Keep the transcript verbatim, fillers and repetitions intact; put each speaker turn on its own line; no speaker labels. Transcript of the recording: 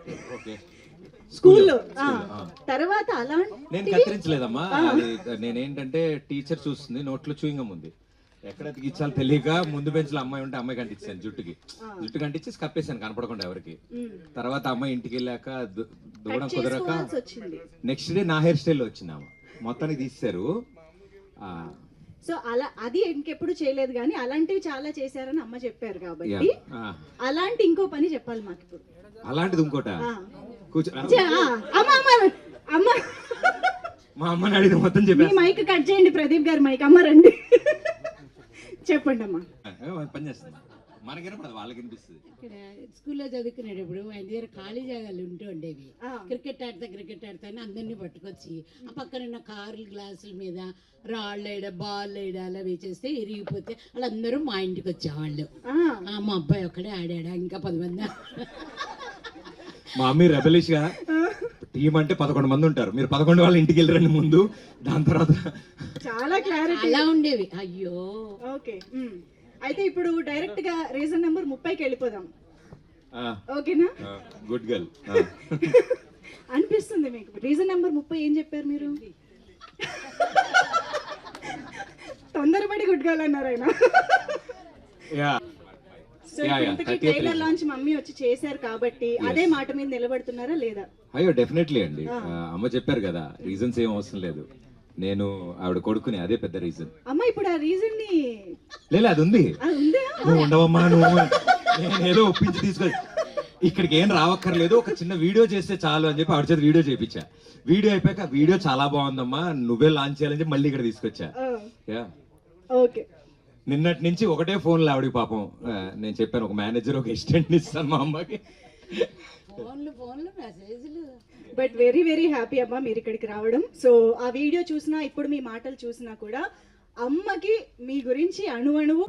Okay.
స్కూల్లో
స్కూల్లో, ఆ.
తర్వాత
నేను
అలాంటి
కత్తిరించలేదమ్మా. అది నేనేంటంటే టీచర్ చూస్తుంది, నోట్లో చూయింగం ఉంది. ఎక్కడ తిగించాలో తెలియక ముందు బెంచ్ లో అమ్మాయి ఉంటే అమ్మాయి కంటించాను జుట్టుకి. జుట్టు కంటించి కప్పేసాను కనపడకుండా ఎవరికి. తర్వాత అమ్మాయి ఇంటికి వెళ్ళాక దు- దువ్వడం కుదరక
చేసుకోవాల్సి వచ్చింది.
నెక్స్ట్ డే నా హెయిర్ స్టైల్ వచ్చింది ఆమె. మొత్తానికి తీస్తారు. ఆ,
సో అలా అది ఇంకెప్పుడు చేయలేదు కానీ అలాంటివి చాలా చేశారని అమ్మ చెప్పారు కాబట్టి
యా, ఆ.
అలాంటి ఇంకో పని చెప్పాలి మాకు ఇప్పుడు.
అలాంటిది ఇంకోట
ఆ.
కూర్చో.
చే- ఆ, అమ్మ అమ్మ అమ్మ
మా అమ్మని అడిగిన మొత్తం
మీ
చెప్పాను.
మైక్ కట్ చేయండి, ప్రదీప్ గారి మైక్. అమ్మ రండి. చెప్పండి అమ్మా.
పని చేస్తుంది మనకి వాళ్ళకి వినిపిస్తుంది.
ఇక్కడ స్కూల్లో చదువుకునేటప్పుడు ఆయన దగ్గర ఖాళీ జాగాలు ఉంటూ ఉండేవి.
ఆ.
క్రికెట్ ఆడతా క్రికెట్ ఆడతా అని అందరినీ పట్టుకొచ్చి ఆ పక్కన ఉన్న కార్లు గ్లాసుల మీద రాళ్ళు వేయడ బాల్ వేయడ అలా వేచేస్తే ఇరిగిపోతే వాళ్ళందరూ మా ఇంటికి వచ్చేవాళ్ళు.
ఆ,
ఆ, మా అబ్బాయి ఒక్కడే ఆడాడా, ఇంకా పది మంది.
మా అమ్మ రెబలిష్ గా టీం అంటే పదకొండు మంది ఉంటారు, మీరు పదకొండు వాళ్ళ ఇంటికి వెళ్ళరండి ముందు, దాని తర్వాత
చాలా క్లారిటీ.
అలా ఉండేవి. అయ్యో
ఓకే, ఉమ్. అయితే ఇప్పుడు డైరెక్ట్ గా రీజన్ నెంబర్ ముప్పైకి వెళ్ళిపోదాం. ఓకేనా?
Good girl.
అనిపిస్తుంది మీకు రీజన్ నెంబర్ ముప్పై ఏం చెప్పారు మీరు? తొందరపడి గుడ్ గర్ల్ అన్నారు ఆయన. సో
Yeah, yeah,
ఇంతకీ
thirtieth
trailer
reason.
Launch mummy వచ్చి చేశారు కాబట్టి అదే మాట మీద నిలబడుతున్నారా లేదా?
అయ్యో డెఫినెట్లీ అండి. ఆ, అమ్మ చెప్పారు కదా, రీజన్స్ ఏం అవసరం లేదు, నేను ఆవిడ కొడుకుని, అదే పెద్ద రీజన్.
అమ్మ ఇప్పుడు ఆ రీజన్ ని
లేదు అది ఉంది.
అది ఉందా?
నువ్వు ఉండవమ్మా, నువ్వు నేను ఏదో ఒప్పించి తీసుకొని ఇక్కడికి ఏం రావక్కర్లేదు, ఒక చిన్న వీడియో చేస్తే చాలు అని చెప్పి ఆవిడ చేత వీడియో చేయించా. వీడియో అయిపోయాక వీడియో చాలా బాగుందమ్మా, నువ్వే లాంచ్ చేయాలని చెప్పి మళ్ళీ ఇక్కడ తీసుకొచ్చా. Yeah,
okay.
నిన్నటి నుంచి ఒకటే ఫోన్లు ఆవిడకి పాపం. ఆ, నేను చెప్పాను ఒక మేనేజర్ ఒక అసిస్టెంట్ ఇస్తాను మా అమ్మకి.
ఫోన్లు ఫోన్లు మెసేజ్లు.
బట్ వెరీ వెరీ హ్యాపీ అమ్మా మీరు ఇక్కడికి రావడం. సో ఆ వీడియో చూసినా ఇప్పుడు మీ మాటలు చూసినా కూడా అమ్మకి మీ గురించి అణువణువు